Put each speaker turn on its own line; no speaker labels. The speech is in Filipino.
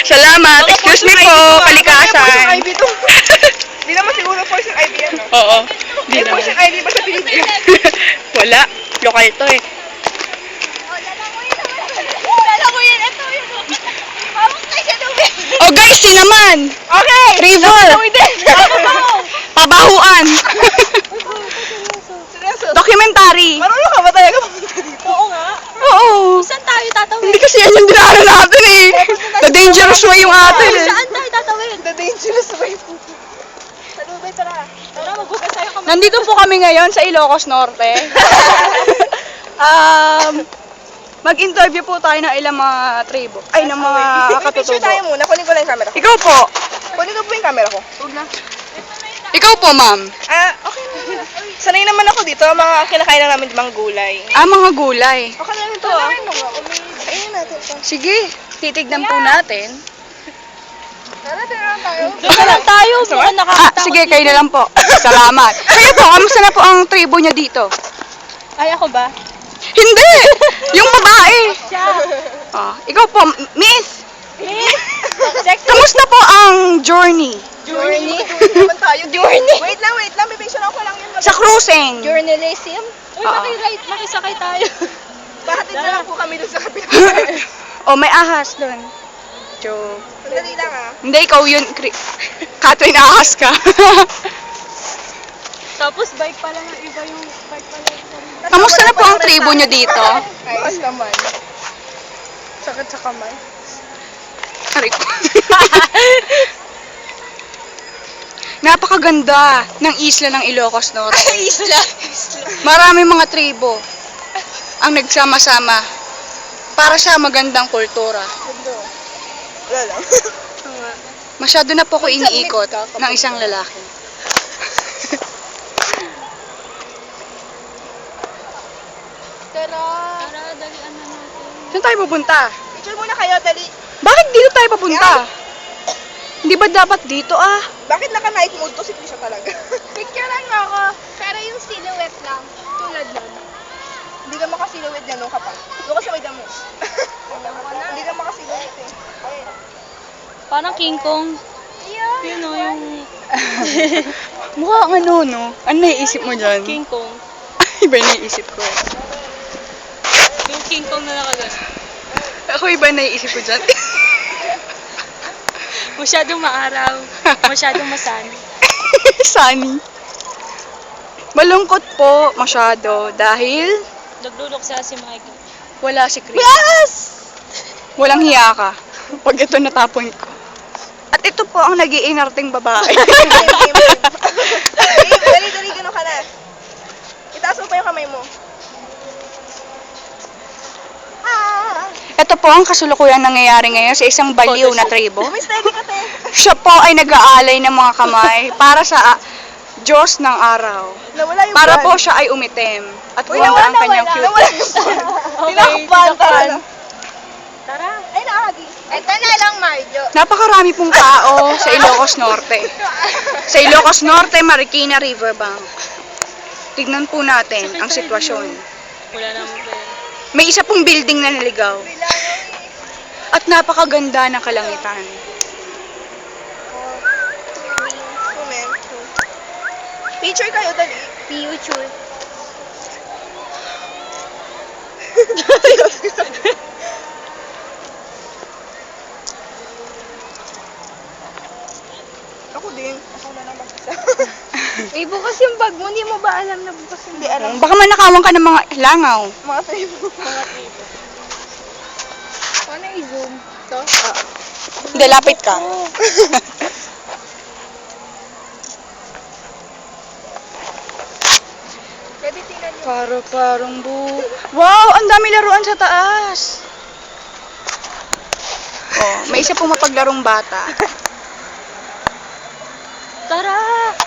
Salamat. Excuse me po, kalikasan.
Hindi naman siguro poison ivy yan, no?
Oo. Di
May
naman.
poison ivy ba sa Pilipinas?
Wala. Lokal to eh.
Lalamuyin, ito yun. Hawak tayo sa lubid.
Oh guys, yun naman.
Okay!
River. Pabahuan.
Seryoso?
Documentary.
Marunong ka ba talaga pumunta dito?
Oo nga.
Oo.
Saan tayo tatawid?
Hindi kasi yan yung dinaanan natin eh. The dangerous way yung atin eh.
Saan tayo tatawid?
The dangerous way. Sa lubay, tara.
Tara, maghugas tayo kami.
Nandito po kami ngayon sa Ilocos Norte. Mag-interview po tayo ng ilang mga tribo. Ay, ng mga
Picture
katutubo.
tayo muna. Kunin ko lang yung camera ko.
Ikaw po.
Kunin ko po yung camera ko. Huwag na.
Ikaw po, ma'am.
Okay na. Sanay naman ako dito. Mga kinakain lang namin mga gulay.
Mga gulay.
Okay lang ito, Ayun natin ito.
Sige, titignan po natin.
Tara, tara lang tayo.
Doon na lang tayo. Mukhang nakakatakot.
Sige, kayo na lang po. Salamat. Kayo po, kamusta na po ang tribo niyo dito?
Ay, ako ba?
Hindi! Yung babae.
Siya.
Ikaw po, miss.
Miss. Sexy.
Kamusta po ang journey?
Journey naman tayo.
Journey.
Wait lang. Bibigyan ko lang yun.
Sa cruising?
Journalism? Uy,
Oo.
makisakay tayo.
Pahatid na lang po kami dun sa kapila.
Oh, may ahas doon. Joke.
Sandali lang,
Hindi, ikaw yun. Katwin, ahas ka.
Tapos bike pala ng iba yung bike pala.
Kamusta na po ang tribo niyo dito?
Ayos naman. Sakit sa kamay.
Aray ko. Napakaganda ng isla ng Ilocos Norte.
Isla.
Maraming mga tribo ang nagsama-sama para sa magandang kultura.
Wala lang.
Masyado na po ko iniikot ng isang lalaki.
Tara, dalian na natin.
Saan tayo pupunta?
Picture muna kayo, dali.
Bakit dito tayo papunta? Hindi ba dapat dito
Bakit naka-night mode to si Trisha talaga?
Picturean mo ako. Pero yung silhouette lang. Tulad nun.
Hindi ka makasiluwit niya nung kapag. Doon ka sa may damo. Hindi ka makasiluwit eh. Okay.
Parang King Kong. Yun o, yung
Mukha ang ano, no? Ano naiisip mo dyan?
King Kong.
Iba yung naiisip ko.
Yung King Kong na nakagano.
Ako iba yung naiisip ko dyan.
Masyadong maaraw. Masyadong masani.
Sunny. Malungkot po masyado dahil
Nagluluksa si Michael.
wala si Chris. Yes! Walang hiya ka. Pag ito natapon ko. At ito po ang nag-iinarting babae.
Dali, gano'n ka na. Itaas mo pa yung kamay mo.
Ito po ang kasulukuyang nangyayari ngayon sa isang baliw na tribo.
Steady ka, te.
Siya po ay nag-aalay ng mga kamay para sa Diyos ng araw.
Nawala yung
Para
ban.
po siya ay umitim. At
Uy,
gumanda ang
nawala.
kanyang cute.
Nawala yung ban.
Okay,
Tinakpan. Tara na.
Tara.
Ay, nakagi.
Ito na lang, Marjo.
Napakarami pong tao sa Ilocos Norte. Sa Ilocos Norte, Marikina Riverbank. Tignan po natin ang sitwasyon.
Wala naman pera.
May isa pong building na naligaw. At napakaganda ng kalangitan.
Picture kayo, dali.
Future.
Ako din. Ako na lang mag-isa.
Eh, bukas yung bag mo. Hindi mo ba alam na bukas yung
Hindi alam.
Baka manakawan ka ng mga langaw.
Mga tribo.
Paano i-zoom? Ito?
Hindi, lapit ka.
Pwede tingnan nyo.
Parang Wow, ang dami laruan sa taas. Oh, may isa pong mapaglarong bata.
Tara!